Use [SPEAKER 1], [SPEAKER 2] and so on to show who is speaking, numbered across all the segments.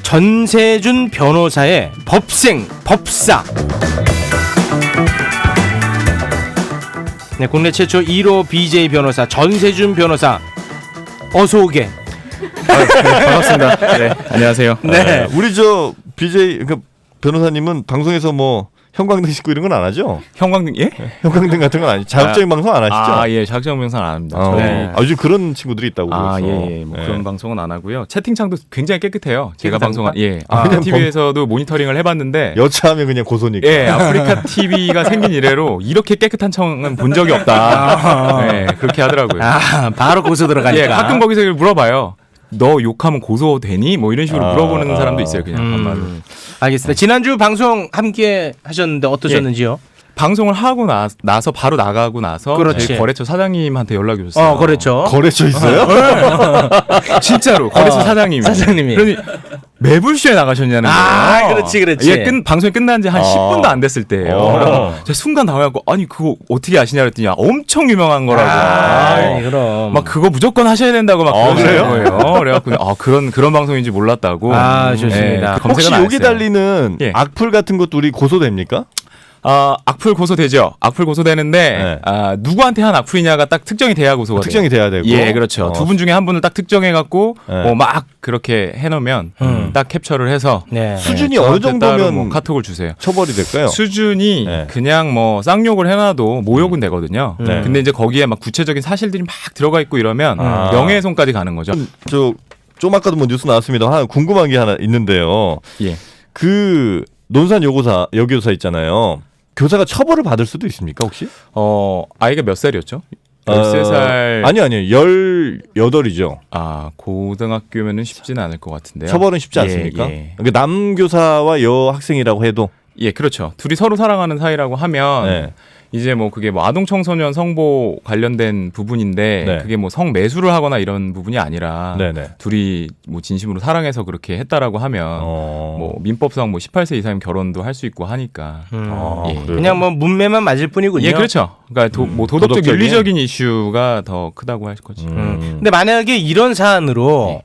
[SPEAKER 1] 전세준 변호사의 법사. 네, 국내 최초 1호 BJ 변호사 전세준 변호사 어서 오게.
[SPEAKER 2] 네, 반갑습니다. 네, 안녕하세요.
[SPEAKER 1] 네.
[SPEAKER 3] 우리 저 BJ 그 변호사님은 방송에서 뭐 형광등 싣고 이런 건 안 하죠?
[SPEAKER 2] 형광등 예?
[SPEAKER 3] 형광등 같은 건 아니죠. 자극적인 방송 안 하시죠?
[SPEAKER 2] 아, 예, 자극적인 방송 안 합니다.
[SPEAKER 1] 네.
[SPEAKER 3] 요즘 그런 친구들이 있다고 그래서.
[SPEAKER 2] 아, 예, 예. 뭐 그런 방송은 안 하고요. 채팅창도 굉장히 깨끗해요. 제가
[SPEAKER 1] 깨끗합니까?
[SPEAKER 2] 방송한 예.
[SPEAKER 3] 아,
[SPEAKER 2] 아프리카
[SPEAKER 3] 그냥
[SPEAKER 2] TV에서도 모니터링을 해 봤는데
[SPEAKER 3] 여차하면 그냥 고소니까.
[SPEAKER 2] 예, 아프리카 TV가 생긴 이래로 이렇게 깨끗한 청은 본 적이 없다. 네, 그렇게 하더라고요.
[SPEAKER 1] 아, 바로 고소 들어가니까.
[SPEAKER 2] 예, 가끔 거기서 물어봐요. 너 욕하면 고소되니? 뭐 이런 식으로 물어보는 사람도 있어요. 그냥 한마디로.
[SPEAKER 1] 알겠습니다. 지난주 방송 함께 하셨는데 어떠셨는지요?
[SPEAKER 2] 방송을 하고 나서 바로 나가고 나서
[SPEAKER 1] 그렇지.
[SPEAKER 2] 저희 거래처 사장님한테 연락이 오셨어요.
[SPEAKER 1] 그렇죠.
[SPEAKER 3] 거래처 있어요?
[SPEAKER 2] 진짜로 거래처 사장님이. 그러니 매불쇼에 나가셨냐는 거예요.
[SPEAKER 1] 아, 그렇지.
[SPEAKER 2] 예, 방송이 끝난 지 한 10분도 안 됐을 때예요. 제가 순간 당황하고 아니 그거 어떻게 아시냐 그랬더니 엄청 유명한 거라고.
[SPEAKER 1] 그럼.
[SPEAKER 2] 막 그거 무조건 하셔야 된다고 막 그러시는 거예요. 그래갖고 그런 방송인지 몰랐다고.
[SPEAKER 1] 아, 좋습니다.
[SPEAKER 2] 예,
[SPEAKER 3] 혹시
[SPEAKER 2] 검색은 안
[SPEAKER 3] 여기
[SPEAKER 2] 했어요.
[SPEAKER 3] 달리는
[SPEAKER 2] 예.
[SPEAKER 3] 악플 같은 것도 우리 고소됩니까?
[SPEAKER 2] 악플 고소되죠. 악플 고소되는데
[SPEAKER 3] 네.
[SPEAKER 2] 누구한테 한 악플이냐가 딱 특정이 돼야 고소가 돼요.
[SPEAKER 3] 특정이 돼야 되고.
[SPEAKER 2] 예, 그렇죠. 두 분 중에 한 분을 딱 특정해갖고
[SPEAKER 3] 네.
[SPEAKER 2] 막 그렇게 해놓으면 딱 캡처를 해서
[SPEAKER 1] 네.
[SPEAKER 3] 수준이
[SPEAKER 2] 네,
[SPEAKER 3] 어느
[SPEAKER 2] 저한테 따로
[SPEAKER 3] 정도면
[SPEAKER 2] 뭐 카톡을 주세요.
[SPEAKER 3] 처벌이 될까요?
[SPEAKER 2] 수준이
[SPEAKER 3] 네.
[SPEAKER 2] 그냥 뭐 쌍욕을 해놔도 모욕은 되거든요.
[SPEAKER 3] 네.
[SPEAKER 2] 근데 이제 거기에 막 구체적인 사실들이 막 들어가 있고 이러면
[SPEAKER 3] 아.
[SPEAKER 2] 명예훼손까지 가는 거죠.
[SPEAKER 3] 좀 아까도 뭐 뉴스 나왔습니다. 하나 궁금한 게 하나 있는데요.
[SPEAKER 2] 예.
[SPEAKER 3] 그 논산 여교사 있잖아요. 교사가 처벌을 받을 수도 있습니까 혹시?
[SPEAKER 2] 아이가 몇 살이었죠? 13살.
[SPEAKER 3] 아니요. 18이죠.
[SPEAKER 2] 고등학교면은 쉽지는 않을 것 같은데요.
[SPEAKER 3] 처벌은 쉽지
[SPEAKER 2] 예,
[SPEAKER 3] 않습니까?
[SPEAKER 2] 예.
[SPEAKER 3] 그러니까 남교사와 여학생이라고 해도
[SPEAKER 2] 예, 그렇죠. 둘이 서로 사랑하는 사이라고 하면
[SPEAKER 3] 네.
[SPEAKER 2] 이제 뭐 그게 뭐 아동 청소년 성보 관련된 부분인데
[SPEAKER 3] 네.
[SPEAKER 2] 그게 뭐 성매수를 하거나 이런 부분이 아니라
[SPEAKER 3] 네네.
[SPEAKER 2] 둘이 뭐 진심으로 사랑해서 그렇게 했다라고 하면 뭐 민법상 뭐 18세 이상이면 결혼도 할 수 있고 하니까 예.
[SPEAKER 3] 그래요?
[SPEAKER 1] 그냥 뭐 문매만 맞을 뿐이군요.
[SPEAKER 2] 예, 그렇죠. 그러니까 뭐 도덕적
[SPEAKER 3] 도덕적인?
[SPEAKER 2] 윤리적인 이슈가 더 크다고 할 거지.
[SPEAKER 1] 근데 만약에 이런 사안으로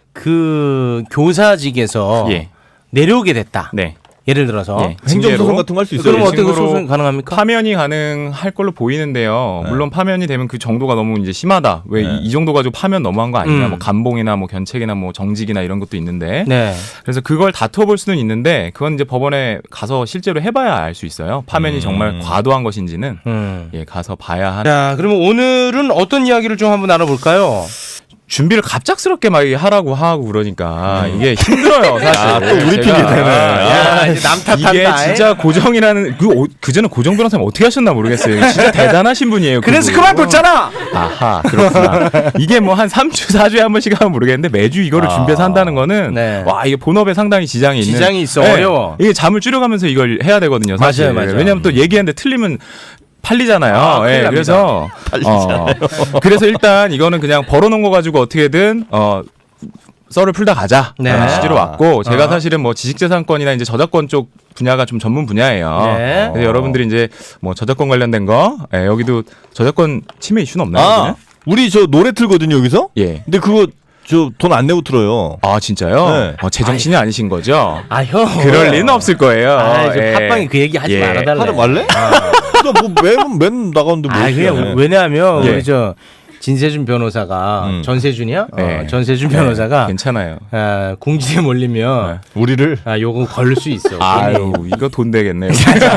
[SPEAKER 1] 그 교사직에서
[SPEAKER 2] 예.
[SPEAKER 1] 내려오게 됐다.
[SPEAKER 2] 네.
[SPEAKER 1] 예를 들어서
[SPEAKER 2] 예.
[SPEAKER 3] 행정소송 같은 거 할 수 있어요.
[SPEAKER 1] 그럼 어떻게
[SPEAKER 2] 징계로
[SPEAKER 1] 소송 가능합니까?
[SPEAKER 2] 파면이 가능할 걸로 보이는데요.
[SPEAKER 3] 네.
[SPEAKER 2] 물론 파면이 되면 그 정도가 너무 이제 심하다. 왜 이 정도 가지고 파면 너무한 거 아니냐. 뭐 감봉이나 뭐 견책이나 뭐 정직이나 이런 것도 있는데.
[SPEAKER 1] 네.
[SPEAKER 2] 그래서 그걸 다퉈볼 수는 있는데 그건 이제 법원에 가서 실제로 해봐야 알 수 있어요. 파면이 정말 과도한 것인지는 예, 가서 봐야 하는.
[SPEAKER 1] 자, 그러면 오늘은 어떤 이야기를 좀 한번 알아볼까요?
[SPEAKER 2] 준비를 갑작스럽게 막 하라고 하고 그러니까 이게 힘들어요, 사실.
[SPEAKER 3] 또 우리 핑계 대네.
[SPEAKER 1] 야, 이제 남 탓한다.
[SPEAKER 2] 이게 진짜 고정이라는 그전에 고정 변호사님 어떻게 하셨나 모르겠어요. 진짜 대단하신 분이에요.
[SPEAKER 1] 그래서
[SPEAKER 2] 그분.
[SPEAKER 1] 그만뒀잖아.
[SPEAKER 2] 아하, 그렇구나. 이게 뭐 한 3주, 4주에 한 번씩 하면 모르겠는데 매주 이거를 준비해서 한다는 거는
[SPEAKER 1] 네.
[SPEAKER 2] 와, 이게 본업에 상당히 지장이 있는.
[SPEAKER 1] 지장이 있어.
[SPEAKER 2] 네.
[SPEAKER 1] 어려워.
[SPEAKER 2] 이게 잠을 줄여가면서 이걸 해야 되거든요, 사실.
[SPEAKER 1] 맞아요.
[SPEAKER 2] 왜냐하면 또 얘기하는데 틀리면 팔리잖아요.
[SPEAKER 1] 큰일
[SPEAKER 2] 예,
[SPEAKER 1] 납니다.
[SPEAKER 2] 그래서 그래서 일단 이거는 그냥 벌어놓은 거 가지고 어떻게든 썰을 풀다 가자.
[SPEAKER 1] 네.
[SPEAKER 2] 라는 취지로 왔고 제가 사실은 뭐 지식재산권이나 이제 저작권 쪽 분야가 좀 전문 분야예요.
[SPEAKER 1] 네.
[SPEAKER 2] 그래서 여러분들이 이제 뭐 저작권 관련된 거 여기도 저작권 침해 이슈는 없나요?
[SPEAKER 3] 우리 저 노래 틀거든요 여기서.
[SPEAKER 2] 예.
[SPEAKER 3] 근데 그거 저 돈 안 내고 틀어요.
[SPEAKER 2] 아 진짜요?
[SPEAKER 3] 네.
[SPEAKER 2] 제정신이 아니신 거죠?
[SPEAKER 1] 아, 형.
[SPEAKER 2] 그럴 리는 없을 거예요.
[SPEAKER 1] 저 팟빵이 그 얘기 하지
[SPEAKER 2] 예.
[SPEAKER 1] 말아달래.
[SPEAKER 3] 하러 말래? 나뭐맨 나가는데 뭐.
[SPEAKER 1] 그냥 왜냐하면
[SPEAKER 2] 예.
[SPEAKER 1] 우리 저 진세준 변호사가 전세준이야?
[SPEAKER 2] 네.
[SPEAKER 1] 전세준 변호사가
[SPEAKER 2] 괜찮아요.
[SPEAKER 1] 공지에 몰리면
[SPEAKER 3] 우리를
[SPEAKER 1] 요거 걸릴 수 있어.
[SPEAKER 2] 아유 이거 돈 되겠네요.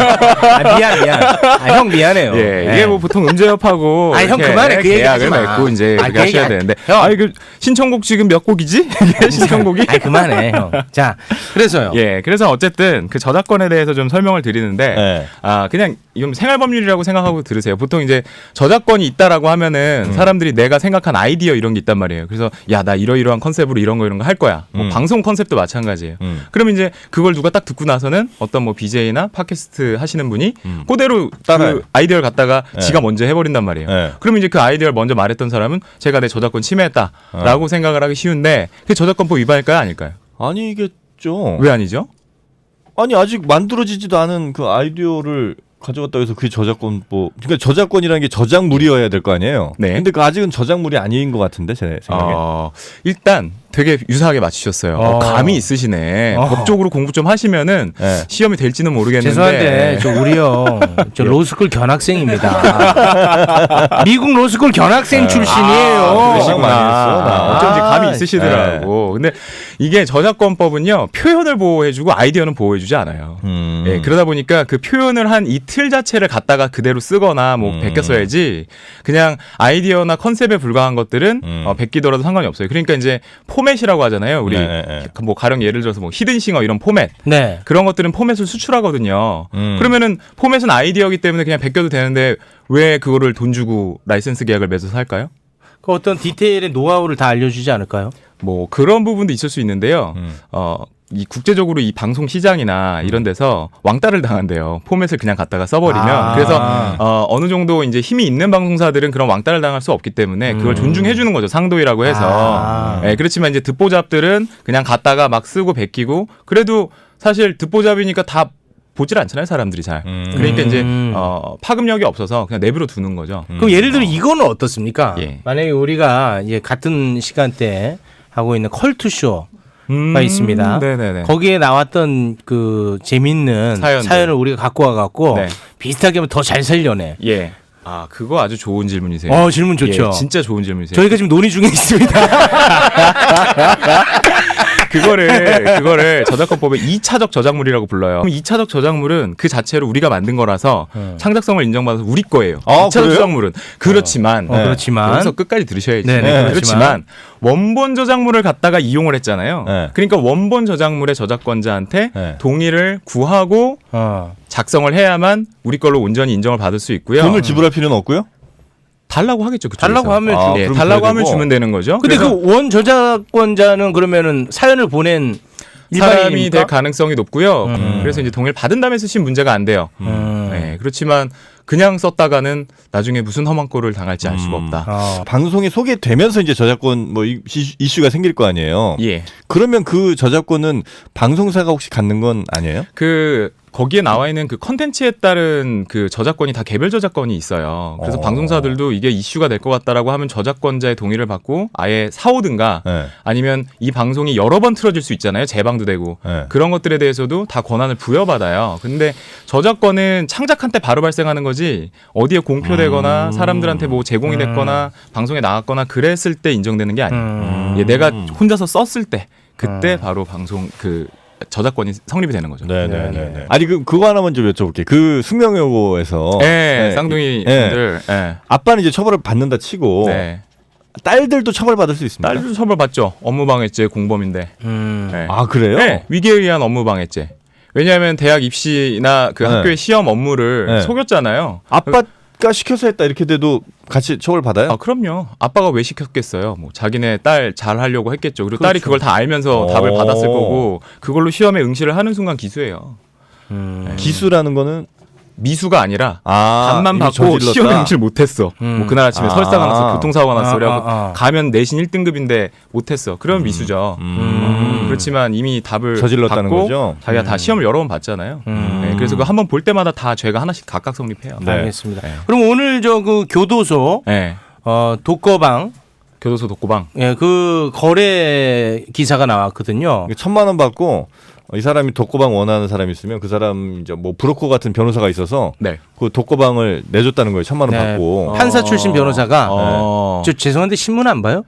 [SPEAKER 1] 미안. 형 미안해요.
[SPEAKER 2] 예, 이게 뭐 보통 음제협하고
[SPEAKER 1] 형
[SPEAKER 2] 이렇게
[SPEAKER 1] 그만해. 그 얘기 하지
[SPEAKER 2] 계약을
[SPEAKER 1] 마.
[SPEAKER 2] 맺고 이제
[SPEAKER 1] 그
[SPEAKER 2] 그렇게 하셔야
[SPEAKER 1] 얘기
[SPEAKER 2] 되는데.
[SPEAKER 1] 형.
[SPEAKER 2] 그 신청곡 지금 몇 곡이지? 이게 신청곡이?
[SPEAKER 1] 그만해, 형. 자, 그래서요.
[SPEAKER 2] 예, 그래서 어쨌든 그 저작권에 대해서 좀 설명을 드리는데,
[SPEAKER 3] 네.
[SPEAKER 2] 그냥 이건 생활법률이라고 생각하고 들으세요. 보통 이제 저작권이 있다라고 하면은 사람들이 내가 생각한 아이디어 이런 게 있단 말이에요. 그래서 야, 나 이러이러한 컨셉으로 이런 거 할 거야. 뭐 방송 컨셉도 마찬가지예요. 그러면 이제 그걸 누가 딱 듣고 나서는 어떤 뭐 BJ나 팟캐스트 하시는 분이 그대로
[SPEAKER 3] 따라해요.
[SPEAKER 2] 그 아이디어를 갖다가 지가 먼저 해버린단 말이에요.
[SPEAKER 3] 네.
[SPEAKER 2] 그러면 이제 그 아이디어를 먼저 말했던 사람은 제가 내 저작권 침해했다라고 생각을 하기 쉬운데 그게 저작권법 위반일까요, 아닐까요?
[SPEAKER 3] 아니겠죠.
[SPEAKER 2] 왜 아니죠?
[SPEAKER 3] 아니 아직 만들어지지도 않은 그 아이디어를 가져갔다고 해서 그게 저작권법. 그러니까 저작권이라는 게 저작물이어야 될 거 아니에요.
[SPEAKER 2] 네.
[SPEAKER 3] 근데 그 아직은 저작물이 아닌 것 같은데 제 생각에.
[SPEAKER 2] 일단 되게 유사하게 맞추셨어요. 감이 있으시네. 법적으로 공부 좀 하시면은
[SPEAKER 3] 네.
[SPEAKER 2] 시험이 될지는 모르겠는데.
[SPEAKER 1] 죄송한데 저 우리요 저 로스쿨 견학생입니다. 미국 로스쿨 견학생 출신이에요.
[SPEAKER 3] 그러시구나. 많이 했어, 나.
[SPEAKER 2] 어쩐지 감이 있으시더라고. 근데 이게 저작권법은요 표현을 보호해주고 아이디어는 보호해주지 않아요. 예, 그러다 보니까 그 표현을 한 이 틀 자체를 갖다가 그대로 쓰거나 뭐 베껴 써야지 그냥 아이디어나 컨셉에 불과한 것들은 베끼더라도 상관이 없어요. 그러니까 이제 포맷이라고 하잖아요. 우리 뭐 가령 예를 들어서 뭐 히든싱어 이런 포맷
[SPEAKER 1] 네.
[SPEAKER 2] 그런 것들은 포맷을 수출하거든요. 그러면은 포맷은 아이디어이기 때문에 그냥 베껴도 되는데 왜 그거를 돈 주고 라이센스 계약을 맺어서 할까요?
[SPEAKER 1] 그 어떤 디테일의 노하우를 다 알려주지 않을까요?
[SPEAKER 2] 뭐 그런 부분도 있을 수 있는데요. 이 국제적으로 이 방송 시장이나 이런 데서 왕따를 당한대요. 포맷을 그냥 갖다가 써버리면. 그래서 어느 정도 이제 힘이 있는 방송사들은 그런 왕따를 당할 수 없기 때문에 그걸 존중해 주는 거죠. 상도이라고 해서. 예, 그렇지만 이제 듣보잡들은 그냥 갖다가 막 쓰고 베끼고 그래도 사실 듣보잡이니까 다 보질 않잖아요, 사람들이 잘. 그러니까 이제 파급력이 없어서 그냥 내버려 두는 거죠.
[SPEAKER 1] 그럼 예를 들어 이거는 어떻습니까?
[SPEAKER 2] 예.
[SPEAKER 1] 만약에 우리가 이제 같은 시간대에 하고 있는 컬투쇼 가 있습니다.
[SPEAKER 2] 네네네.
[SPEAKER 1] 거기에 나왔던 그 재밌는
[SPEAKER 2] 사연들.
[SPEAKER 1] 사연을 우리가 갖고 와갖고
[SPEAKER 2] 네.
[SPEAKER 1] 비슷하게 하면 더 잘 살려내.
[SPEAKER 2] 예. 아, 그거 아주 좋은 질문이세요.
[SPEAKER 1] 질문 좋죠.
[SPEAKER 2] 예, 진짜 좋은 질문이세요.
[SPEAKER 1] 저희가 지금 논의 중에 있습니다.
[SPEAKER 2] 그거를 저작권법에 2차적 저작물이라고 불러요. 그럼 2차적 저작물은 그 자체로 우리가 만든 거라서 창작성을 인정받아서 우리 거예요.
[SPEAKER 3] 아,
[SPEAKER 2] 2차적
[SPEAKER 3] 그래요?
[SPEAKER 2] 저작물은 그렇지만
[SPEAKER 1] 그렇지만
[SPEAKER 2] 여기서 끝까지 들으셔야지.
[SPEAKER 1] 네,
[SPEAKER 2] 그렇지만 원본 저작물을 갖다가 이용을 했잖아요.
[SPEAKER 3] 네.
[SPEAKER 2] 그러니까 원본 저작물의 저작권자한테
[SPEAKER 3] 네.
[SPEAKER 2] 동의를 구하고 작성을 해야만 우리 걸로 온전히 인정을 받을 수 있고요.
[SPEAKER 3] 돈을 지불할 필요는 없고요?
[SPEAKER 2] 달라고 하겠죠. 그쪽에서.
[SPEAKER 1] 달라고 하면
[SPEAKER 3] 아,
[SPEAKER 2] 예,
[SPEAKER 3] 그럼
[SPEAKER 2] 달라고
[SPEAKER 3] 줘야
[SPEAKER 2] 하면
[SPEAKER 3] 되고.
[SPEAKER 2] 주면 되는 거죠.
[SPEAKER 1] 근데
[SPEAKER 2] 그래서
[SPEAKER 1] 그 원 저작권자는 그러면은 사연을 보낸
[SPEAKER 2] 사람이
[SPEAKER 1] 일반인입니까?
[SPEAKER 2] 될 가능성이 높고요. 그래서 이제 동의를 받은 다음에 쓰신 문제가 안 돼요. 네, 그렇지만 그냥 썼다가는 나중에 무슨 험한 꼴을 당할지 알 수가 없다.
[SPEAKER 3] 방송에 소개되면서 이제 저작권 뭐 이슈가 생길 거 아니에요.
[SPEAKER 2] 예.
[SPEAKER 3] 그러면 그 저작권은 방송사가 혹시 갖는 건 아니에요?
[SPEAKER 2] 거기에 나와 있는 그 컨텐츠에 따른 그 저작권이 다 개별 저작권이 있어요. 그래서 방송사들도 이게 이슈가 될 것 같다라고 하면 저작권자의 동의를 받고 아예 사오든가
[SPEAKER 3] 네.
[SPEAKER 2] 아니면 이 방송이 여러 번 틀어질 수 있잖아요. 재방도 되고.
[SPEAKER 3] 네.
[SPEAKER 2] 그런 것들에 대해서도 다 권한을 부여받아요. 근데 저작권은 창작한 때 바로 발생하는 거지 어디에 공표되거나 사람들한테 뭐 제공이 됐거나 방송에 나갔거나 그랬을 때 인정되는 게 아니에요. 예, 내가 혼자서 썼을 때 그때 바로 방송 그 저작권이 성립이 되는 거죠.
[SPEAKER 3] 네네네. 아니 그거 하나만 좀 여쭤볼게요. 그 숙명여고에서
[SPEAKER 2] 네, 쌍둥이 분들. 네.
[SPEAKER 3] 아빠는 이제 처벌을 받는다 치고
[SPEAKER 2] 네.
[SPEAKER 3] 딸들도 처벌받을 수 있습니다.
[SPEAKER 2] 딸도 처벌받죠. 업무방해죄 공범인데. 네.
[SPEAKER 3] 아 그래요?
[SPEAKER 2] 네, 위계에 의한 업무방해죄. 왜냐하면 대학 입시나 그
[SPEAKER 3] 네.
[SPEAKER 2] 학교의 시험 업무를
[SPEAKER 3] 네.
[SPEAKER 2] 속였잖아요.
[SPEAKER 3] 아빠가 시켜서 했다 이렇게 돼도 같이 처벌받아요?
[SPEAKER 2] 아, 그럼요. 아빠가 왜 시켰겠어요. 뭐 자기네 딸 잘하려고 했겠죠. 그리고
[SPEAKER 3] 그렇죠.
[SPEAKER 2] 딸이 그걸 다 알면서 답을 받았을 거고 그걸로 시험에 응시를 하는 순간 기수예요.
[SPEAKER 3] 기수라는 거는
[SPEAKER 2] 미수가 아니라
[SPEAKER 3] 이미
[SPEAKER 2] 답만 받고
[SPEAKER 3] 저질렀다.
[SPEAKER 2] 시험에 응시를 못했어. 뭐 그날 아침에 설사가 나서 교통사고가 났어. 그래갖고 가면 내신 1등급인데 못했어. 그러면 미수죠. 그렇지만 이미 답을
[SPEAKER 3] 저질렀다는
[SPEAKER 2] 받고
[SPEAKER 3] 거죠?
[SPEAKER 2] 자기가 다 시험을 여러 번 봤잖아요. 네, 그래서 그 한 번 볼 때마다 다 죄가 하나씩 각각 성립해요.
[SPEAKER 3] 네.
[SPEAKER 1] 알겠습니다. 그럼 오늘 저 그 교도소
[SPEAKER 2] 네.
[SPEAKER 1] 독거방
[SPEAKER 2] 교도소 독고방.
[SPEAKER 1] 예, 그 거래 기사가 나왔거든요.
[SPEAKER 3] 1,000만 원 받고 이 사람이 독거방 원하는 사람이 있으면 그 사람 이제 뭐 브로커 같은 변호사가 있어서
[SPEAKER 2] 네.
[SPEAKER 3] 그 독거방을 내줬다는 거예요. 1,000만 원
[SPEAKER 1] 네.
[SPEAKER 3] 받고.
[SPEAKER 1] 판사 출신 변호사가
[SPEAKER 2] 어.
[SPEAKER 1] 저 죄송한데 신문 안 봐요?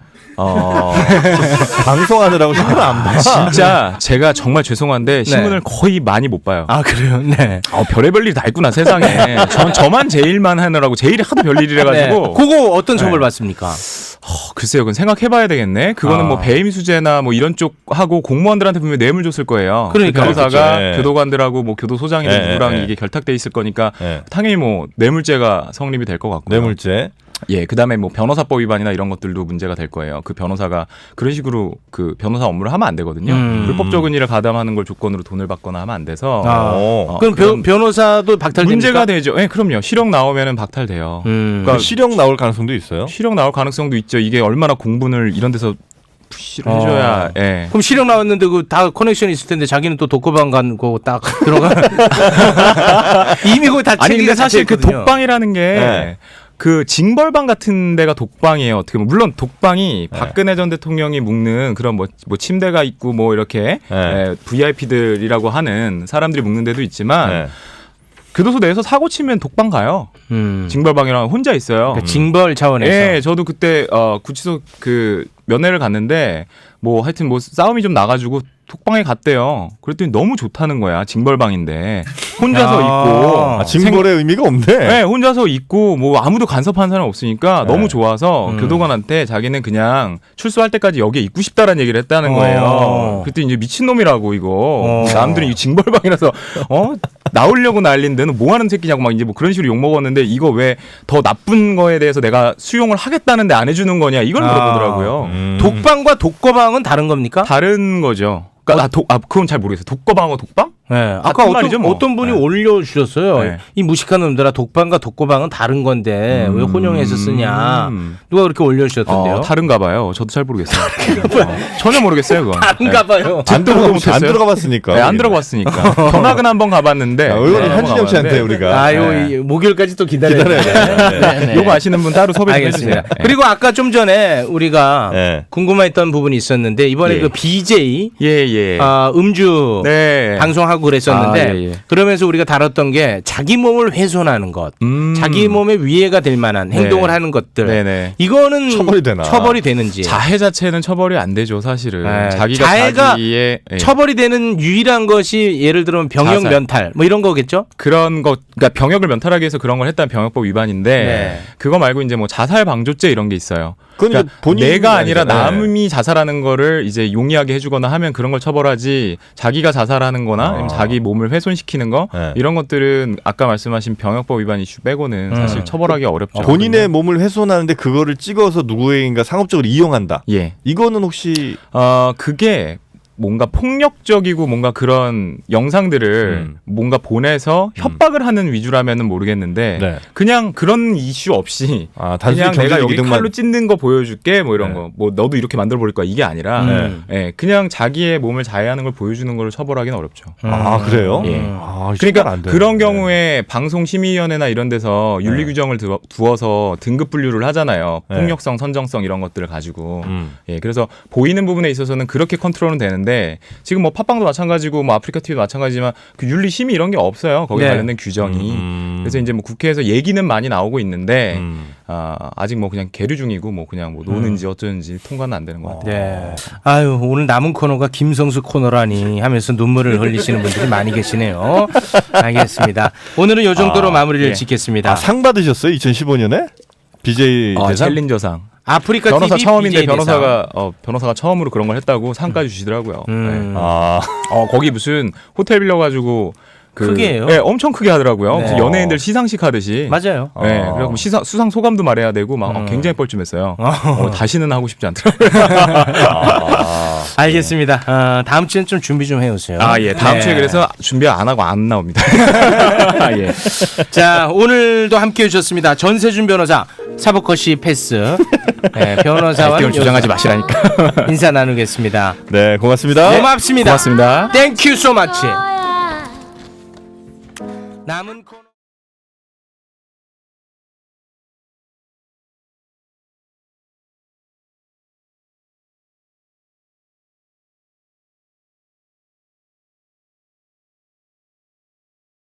[SPEAKER 3] 방송하느라고 신경 안 봐.
[SPEAKER 2] 진짜 제가 정말 죄송한데 신문을 거의 많이 못 봐요.
[SPEAKER 1] 아 그래요? 네.
[SPEAKER 2] 별의별 일이 다 있구나 세상에. 저만 제 일만 하느라고 제 일이 하도 별일이라 가지고.
[SPEAKER 1] 그거 어떤 처벌 받습니까?
[SPEAKER 2] 글쎄요, 그건 생각해봐야 되겠네. 그거는 뭐 배임 수재나 뭐 이런 쪽 하고 공무원들한테 분명 히 뇌물 줬을 거예요.
[SPEAKER 1] 그러니까.
[SPEAKER 2] 그 변호사가
[SPEAKER 3] 그렇죠.
[SPEAKER 2] 교도관들하고 뭐 교도소장이든
[SPEAKER 3] 네,
[SPEAKER 2] 누구랑
[SPEAKER 3] 네.
[SPEAKER 2] 이게 결탁돼 있을 거니까
[SPEAKER 3] 네.
[SPEAKER 2] 당연히 뭐 뇌물죄가 성립이 될 것 같고요.
[SPEAKER 3] 뇌물죄.
[SPEAKER 2] 예, 그다음에 뭐 변호사법 위반이나 이런 것들도 문제가 될 거예요. 그 변호사가 그런 식으로 그 변호사 업무를 하면 안 되거든요. 불법적인 일을 가담하는 걸 조건으로 돈을 받거나 하면 안 돼서
[SPEAKER 1] 그럼
[SPEAKER 2] 그런
[SPEAKER 1] 변호사도 박탈됩니까?
[SPEAKER 2] 문제가 되죠. 예, 그럼요. 실형 나오면은 박탈돼요.
[SPEAKER 3] 그러니까 실형 나올 가능성도 있어요.
[SPEAKER 2] 실형 나올 가능성도 있죠. 이게 얼마나 공분을 이런 데서 푸시를 해줘야. 예.
[SPEAKER 1] 그럼 실형 나왔는데 그 다 커넥션이 있을 텐데 자기는 또 독거방 간거 딱 들어가. 이미 그거 다
[SPEAKER 2] 아니 근데
[SPEAKER 1] 체계가
[SPEAKER 2] 사실 그
[SPEAKER 1] 잡혀있거든요.
[SPEAKER 2] 독방이라는 게
[SPEAKER 3] 네.
[SPEAKER 2] 그 징벌방 같은 데가 독방이에요. 어떻게 보면 물론 독방이 박근혜 전 대통령이 묵는 그런 뭐 침대가 있고 뭐 이렇게
[SPEAKER 3] 네.
[SPEAKER 2] VIP들이라고 하는 사람들이 묵는 데도 있지만
[SPEAKER 3] 네.
[SPEAKER 2] 교도소 내에서 사고 치면 독방 가요. 징벌방이랑 혼자 있어요.
[SPEAKER 1] 그러니까 징벌 차원에서.
[SPEAKER 2] 예, 저도 그때 구치소 그 면회를 갔는데 뭐 하여튼 뭐 싸움이 좀 나가지고 독방에 갔대요. 그랬더니 너무 좋다는 거야. 징벌방인데 혼자서 있고.
[SPEAKER 3] 아, 징벌의 의미가 없네.
[SPEAKER 2] 네, 혼자서 있고 뭐 아무도 간섭하는 사람 없으니까
[SPEAKER 3] 네.
[SPEAKER 2] 너무 좋아서 교도관한테 자기는 그냥 출소할 때까지 여기에 있고 싶다라는 얘기를 했다는 거예요. 그랬더니 이제 미친놈이라고 이거. 남들은 이 징벌방이라서 나오려고 난리인데 는 뭐 하는 새끼냐고 막 이제 뭐 그런 식으로 욕 먹었는데 이거 왜 더 나쁜 거에 대해서 내가 수용을 하겠다는데 안 해주는 거냐 이걸 물어보더라고요.
[SPEAKER 1] 독방과 독거방은 다른 겁니까?
[SPEAKER 2] 다른 거죠. 그러니까 그건 잘 모르겠어요. 독거방어 독방?
[SPEAKER 1] 네. 아까
[SPEAKER 2] 말이죠, 뭐.
[SPEAKER 1] 어떤 분이
[SPEAKER 2] 네.
[SPEAKER 1] 올려주셨어요.
[SPEAKER 2] 네.
[SPEAKER 1] 이 무식한 놈들아 독방과 독거방은 다른 건데 왜 혼용해서 쓰냐. 누가 그렇게 올려주셨던데요?
[SPEAKER 2] 다른가 봐요. 저도 잘 모르겠어요. 전혀 모르겠어요, 그건.
[SPEAKER 1] 다른가 봐요.
[SPEAKER 3] 안
[SPEAKER 2] 못했어요.
[SPEAKER 3] 들어가봤으니까.
[SPEAKER 2] 네, 안 들어갔으니까. 견학은 한번 가봤는데.
[SPEAKER 3] 이거는 한진영 씨한테 우리가
[SPEAKER 1] 목요일까지 또 기다려야 돼. 네.
[SPEAKER 2] 요거 아시는 분 따로 섭외 좀
[SPEAKER 1] 알겠습니다.
[SPEAKER 2] 해주세요.
[SPEAKER 1] 그리고 아까 좀 전에 우리가
[SPEAKER 3] 네.
[SPEAKER 1] 궁금했던 부분이 있었는데 이번에
[SPEAKER 3] 예.
[SPEAKER 1] 그 BJ
[SPEAKER 2] 예.
[SPEAKER 1] 음주
[SPEAKER 2] 네.
[SPEAKER 1] 방송하고 그랬었는데
[SPEAKER 2] 아, 예.
[SPEAKER 1] 그러면서 우리가 다뤘던 게 자기 몸을 훼손하는 것, 자기 몸에 위해가 될 만한 행동을 하는 것들.
[SPEAKER 2] 네네.
[SPEAKER 1] 이거는
[SPEAKER 3] 처벌이 되나?
[SPEAKER 1] 되는지.
[SPEAKER 2] 자해 자체는 처벌이 안 되죠, 사실은.
[SPEAKER 1] 네.
[SPEAKER 2] 자기가
[SPEAKER 1] 자해가
[SPEAKER 2] 자기의
[SPEAKER 1] 처벌이 되는 유일한 것이 예를 들면 병역
[SPEAKER 2] 자살.
[SPEAKER 1] 면탈 뭐 이런 거겠죠?
[SPEAKER 2] 그런 것, 그러니까 병역을 면탈하기 위해서 그런 걸 했다는 병역법 위반인데
[SPEAKER 1] 네.
[SPEAKER 2] 그거 말고 이제 뭐 자살 방조죄 이런 게 있어요.
[SPEAKER 3] 그건 이제
[SPEAKER 2] 그러니까
[SPEAKER 3] 본인이
[SPEAKER 2] 내가 아니라
[SPEAKER 3] 아니잖아요.
[SPEAKER 2] 남이 자살하는 거를 이제 용이하게 해주거나 하면 그런 걸 처벌하지 자기가 자살하는,거나 아니면 자기 몸을 훼손시키는 거
[SPEAKER 3] 네.
[SPEAKER 2] 이런 것들은 아까 말씀하신 병역법 위반 이슈 빼고는 사실 처벌하기 어렵죠.
[SPEAKER 3] 본인의 몸을 훼손하는데 그거를 찍어서 누구에게인가 상업적으로 이용한다.
[SPEAKER 2] 예.
[SPEAKER 3] 이거는 혹시
[SPEAKER 2] 그게 뭔가 폭력적이고 뭔가 그런 영상들을 뭔가 보내서 협박을 하는 위주라면은 모르겠는데
[SPEAKER 3] 네.
[SPEAKER 2] 그냥 그런 이슈 없이
[SPEAKER 3] 단순히
[SPEAKER 2] 그냥 내가
[SPEAKER 3] 경제적
[SPEAKER 2] 여기
[SPEAKER 3] 이득만
[SPEAKER 2] 칼로 찢는 거 보여줄게 뭐 이런
[SPEAKER 3] 네.
[SPEAKER 2] 거 뭐 너도 이렇게 만들어 버릴 거야 이게 아니라 그냥 자기의 몸을 자해하는 걸 보여주는 걸 처벌하기는 어렵죠.
[SPEAKER 3] 아 그래요?
[SPEAKER 2] 예.
[SPEAKER 3] 아,
[SPEAKER 2] 그러니까
[SPEAKER 3] 안 되는데.
[SPEAKER 2] 그런 경우에 방송심의위원회나 이런 데서 윤리 규정을 두어서 등급 분류를 하잖아요.
[SPEAKER 3] 네.
[SPEAKER 2] 폭력성, 선정성 이런 것들을 가지고. 예, 그래서 보이는 부분에 있어서는 그렇게 컨트롤은 되는데 지금 뭐 팟빵도 마찬가지고 뭐 아프리카 TV도 마찬가지지만 그 윤리 심의 이런 게 없어요. 거기에
[SPEAKER 1] 네.
[SPEAKER 2] 관련된 규정이. 그래서 이제 뭐 국회에서 얘기는 많이 나오고 있는데 아직 뭐 그냥 계류 중이고 뭐 그냥 뭐 노는지 어쩌는지 통과는 안 되는 것 같아요.
[SPEAKER 1] 네. 아유, 오늘 남은 코너가 김성수 코너라니 하면서 눈물을 흘리시는 분들이 많이 계시네요. 알겠습니다. 오늘은 이 정도로 마무리를
[SPEAKER 2] 예.
[SPEAKER 1] 짓겠습니다.
[SPEAKER 3] 상 받으셨어요? 2015년에 BJ 대상?
[SPEAKER 2] 챌린저상.
[SPEAKER 1] 아프리카
[SPEAKER 2] 변호사
[SPEAKER 1] TV
[SPEAKER 2] 처음인데
[SPEAKER 1] BJ 대상.
[SPEAKER 2] 변호사가 처음으로 그런 걸 했다고 상까지 주시더라고요. 네.
[SPEAKER 3] 아
[SPEAKER 2] 거기 무슨 호텔 빌려가지고
[SPEAKER 1] 크게 해요?
[SPEAKER 2] 네, 엄청 크게 하더라고요.
[SPEAKER 1] 네.
[SPEAKER 2] 무슨 연예인들 시상식 하듯이.
[SPEAKER 1] 맞아요.
[SPEAKER 2] 네, 그래서 수상 소감도 말해야 되고 막 굉장히 뻘쭘했어요. 다시는 하고 싶지 않더라고요.
[SPEAKER 1] 알겠습니다. 다음 주엔 좀 준비 좀 해오세요.
[SPEAKER 2] 예, 다음
[SPEAKER 1] 네.
[SPEAKER 2] 주에 그래서 준비 안 하고 안 나옵니다. 예.
[SPEAKER 1] 자, 오늘도 함께 해주셨습니다. 전세준 변호사, 사법커시 패스. 네, 변호사와
[SPEAKER 2] 을 주장하지 마시라니까.
[SPEAKER 1] 인사 나누겠습니다.
[SPEAKER 3] 네 고맙습니다.
[SPEAKER 1] 고맙습니다.
[SPEAKER 2] 고맙습니다.
[SPEAKER 1] 땡큐 so much. 남은 코너.